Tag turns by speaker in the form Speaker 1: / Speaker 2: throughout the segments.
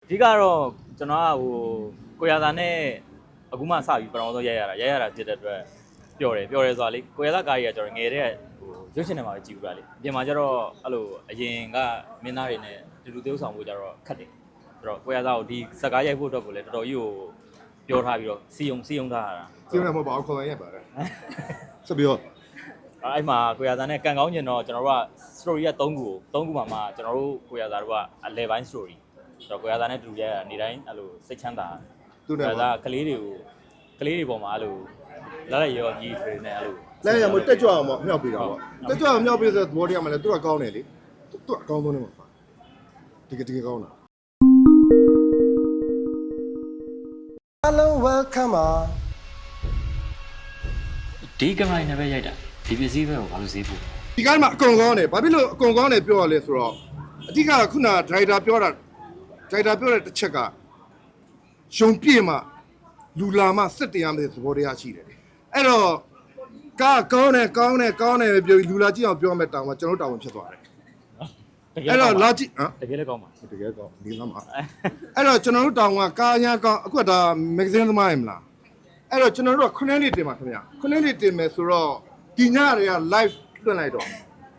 Speaker 1: ဒီကတော့ကျွန်တော်ကကိုရသာနဲ့အခုမှစပြီးပထမဆုံးရိုက်ရတာဖြစ်တဲ့အတွက်ပျော်တယ်ဆိုတာလေကိုရသာကားကြီးကကျွန်တော်ငယ်တဲ့ရုပ်ရှင်ထဲမှာပဲကြည့်ဘူးလားလေအပြင်မှာကျတော့အဲ့လိုအရင်ကမင်းသားတွေနဲ့တူသေးဆောင်ဖို့ကျတော့ခက်တယ်ဆိုတော့ကိုရသာကိုဒီဇက်ကားရိုက်ဖို့အတွက်ကိုလည်းတော်တော်ကြီးကိုပြောထားပြီးတော့စီယုံထားရတာ
Speaker 2: စီယုံလည်းမဟုတ်ပါဘူးခေါ်ရရပါတယ်ဆက်ပြီးတော့
Speaker 1: အဲ့မှာကိုရသာနဲ့ကန်ကောင်းကျင်တော့ကျွန်တော်တို့က story က3ခုမှာမှကျွန်တော်တို့ကိုရသာတို့ကအလဲပိုင်း story ဆိုတော့ကိုရသာနဲ့တူရနေတိုင်းအဲ့လိုစိတ်ချမ်းသာသူကကလေးတွေပေါ်မှာအဲ့လိုလက်ရောကြီးတွေနဲ့အဲ့လို
Speaker 2: လက်ရမတက်ကြွအောင်မြောက်ပေးတာပေါ့တက်ကြွအောင်မြောက်ပေးဆိုသဘောတရားမှလည်းသူကကောင်းတယ်လေသူကအကောင်းဆုံးနေမှာပါတကယ်ကောင်းတာ
Speaker 3: Hello welcome
Speaker 4: ဒီကမိုင်းနဲ့ပဲရိုက်တာဒီပစ္စည်းပဲကိုဘာလို့ဈေးပို့
Speaker 2: ဒီကားမှာအကုန်ကောင်းတယ်ဘာဖြစ်လို့အကုန်ကောင်းတယ်ပြောရလဲဆိုတော့အဓိကခုနဒရိုက်တာပြောတဲ့တစ်ချက်ကရုံပြည့်မှလူလာမှစစ်တရားမဲ့သဘောတရားရှိတယ်အဲ့တော့ကားကောင်းတယ်ပြောပြီးလူလာကြည့်အောင်ပြောမဲ့တောင်မှကျွန်တော်တောင်းဝင်ဖြစ်သွားတယ်အဲ့တော့လာကြည့်
Speaker 1: တကယ်လည်းကောင်းပါ
Speaker 2: တကယ်ကောင်းဒီလမ်းမှာအဲ့တော့ကျွန်တော်တို့တောင်ကကားရန်ကောင်းအခုဒါမဂ္ဂဇင်းသမားရမလားအဲ့တော့ကျွန်တော်တို့က9နှစ်တင်ပါခင်ဗျာ9နှစ်တင်မယ်ဆိုတော့ဒီညတွေက live လွှင့်လိုက်တော့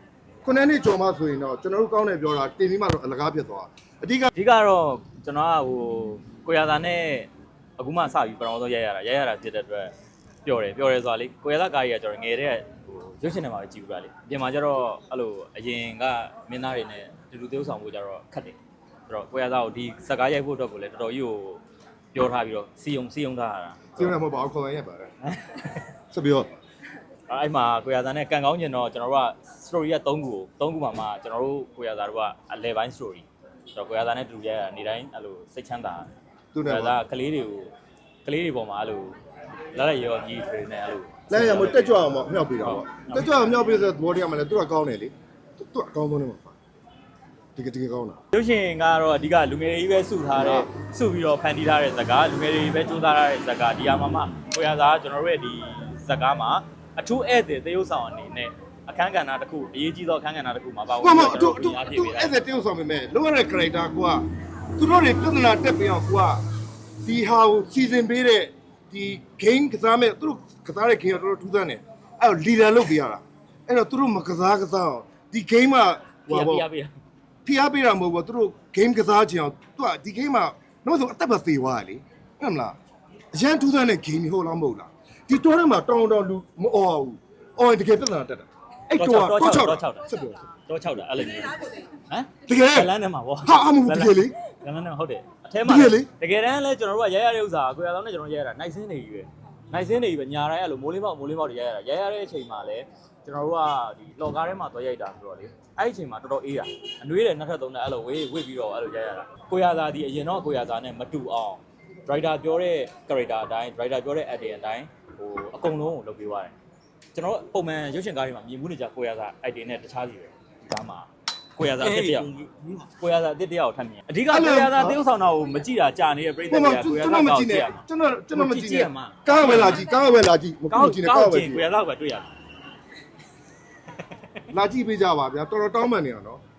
Speaker 2: 9နှစ်ကျော်မှဆိုရင်တော့ကျွန်တော်တို့ကောင်းတယ်ပြောတာတင်ပြီးမှတော့အလကားဖြစ်သွားအဓိ
Speaker 1: ကတော့ကျွန်တော်ကကိုရသာနဲ့အခုမှစပြီးပထမဆုံးရိုက်ရတာဖြစ်တဲ့အတွက်ပျော်တယ်ဆိုတာလေကိုရသာကားကြီးကကျွန်တော်ငယ်တဲ့ရုပ်ရှင်ထဲမှာပဲကြည့်ဘူးလားလေအပြင်မှာကျတော့အဲ့လိုအရင်ကမင်းသားတွေနဲ့တူသေးဆောင်ဖို့ကျတော့ခက်တယ်ဆိုတော့ကိုရသာကိုဒီဇက်ကားရိုက်ဖို့အတွက်ကိုလည်းတော်တော်ကြီးကိုပြောထားပြီးတော့စီယုံထားရတာ
Speaker 2: စီယုံလည်းမဟုတ်ပါဘူးခေါ်ရရပါတယ်ဆက်ပြီးတော့
Speaker 1: အဲ့မှာကိုရသာနဲ့ကန်ကောင်းကျင်တော့ကျွန်တော်တို့က story က3ခုမှာမှကျွန်တော်တို့ကိုရသာတို့ကအလဲပိုင်း story ဆိုတော့ကိုရသာနဲ့တူရနေတိုင်းအဲ့လိုစိတ်ချမ်းသာ
Speaker 2: သူက
Speaker 1: ကလေးတွေပေါ်မှာအဲ့လိုလက်ရောကြီးတွေနဲ့အဲ့လို
Speaker 2: လက်ရမတက်ကြွအောင်မြောက်ပေးတာပေါ့တက်ကြွအောင်မြောက်ပေးဆိုသဘောတရားမှလည်းသူကကောင်းတယ်လေသူကအကောင်းဆုံးနေမှာပါတကယ်ကောင်းတာ
Speaker 1: ရုပ်ရှင်ကတော့အဓိကလူငယ်တွေပဲစုပြီးတော့ဖန်တီးထားတဲ့ဇာတ်ကားလူငယ်တွေပဲစူးစမ်းထားတဲ့ဇာတ်ကားဒီဟာမှာကိုရသာကကျွန်တော်တို့ရဲ့ဒီဇာတ်ကားမှာအထူးဧည့်သည်သရုပ်ဆောင်အနေနဲ့အခန်းကဏ္ဍတစ်ခုအရေးကြီးသောအခန်းကဏ္ဍတစ်ခုမှာပါဝင်
Speaker 2: ပြီးတော့သူဧည့်သည်သရုပ်ဆောင်ပေမဲ့လောရတဲ့ character ကသူတို့တွေပြဿနာတက်ပြီးအောင်ကိုကဒီဟာကိုစီစဉ်ပေးတဲ့ဒီ game ကစားမဲ့သူတို့ကစားတဲ့ game ကတော်တော်ထူးဆန်းတယ်အဲ့တော့ leader လုပ်ပေးရတာအဲ့တော့သူတို့မကစားအောင်ဒီ game က
Speaker 1: ဟိုပါ
Speaker 2: ဖိအားပေးတာမဟုတ်ဘူးသူတို့ game ကစားချင်အောင်သူကဒီ game မှာတော့ဆိုအသက်ပဲသေသွားတယ်လေဟုတ်မလားအရန်ထူးဆန်းတဲ့ game ဟုတ်လားမဟုတ်လားဒီတော်ထဲမှာတောင်းလူမအော်ဘူးအော်တကယ်ပြဿနာတက်တာအဲ့တော့ဆက်ပြော
Speaker 1: တော့6တာအဲ့လိုမျိုးဟမ်
Speaker 2: တကယ်
Speaker 1: လမ်းထဲမှာဗော
Speaker 2: ဟာအမှုတကယ်လေ
Speaker 1: လမ်းထဲမှာဟုတ်တယ်အထဲမှာတကယ်တမ်းလဲကျွန်တော်တို့ကရိုက်ရတဲ့ဥစ္စာကိုရအောင်နဲ့ကျွန်တော်ရိုက်ရတာနိုင်စင်းနေကြီးပဲညာတိုင်းအဲ့လိုမိုးလေးပေါက်တွေရိုက်ရတဲ့အချိန်မှာလဲကျွန်တော်တို့ကဒီလော်ကားထဲမှာသွားရိုက်တာဆိုတော့လေအဲ့ဒီအချိန်မှာတော်တော်အေးတာအနှွေးတယ်2ထပ်3ထပ်အဲ့လိုဝစ်ပြီးတော့အဲ့လိုရိုက်ရတာကိုရသာဒီအရင်တော့ကိုရသာနဲ့မတူအောင် driver ပြောတဲ့ character အတိုင်း driver ပြောတဲ့ acting အတိုင်းအကုန်လုံးကိုလုပ်ပေးသွားတယ်ကျွန်တော်ပုံမှန်ရုပ်ရှင်ကားတွေမှာမြင်မှုနေကြကိုရသာ acting နဲ့တခြားစီပဲဒါမှကိုရသာအစ်တယောက်ထပ်မြင်အဓိကကိုရသာတယောက်ဆောင်တာကိုမကြည့်တာကြာနေတဲ့ပြည်သက်တွေကကိုရသာကောက်ကြည့်ရ
Speaker 2: ကျွန်တော်မကြည့်နဲ့ကားဝယ်လာကြည့်မကူကြည့်နဲ့ကားဝယ်ကြည့်
Speaker 1: ကိုရသာပဲတွေ့ရတယ်
Speaker 2: လာကြည့်ပေးကြပါဗျာတော်တော်တောင်းပန်နေအောင်နော်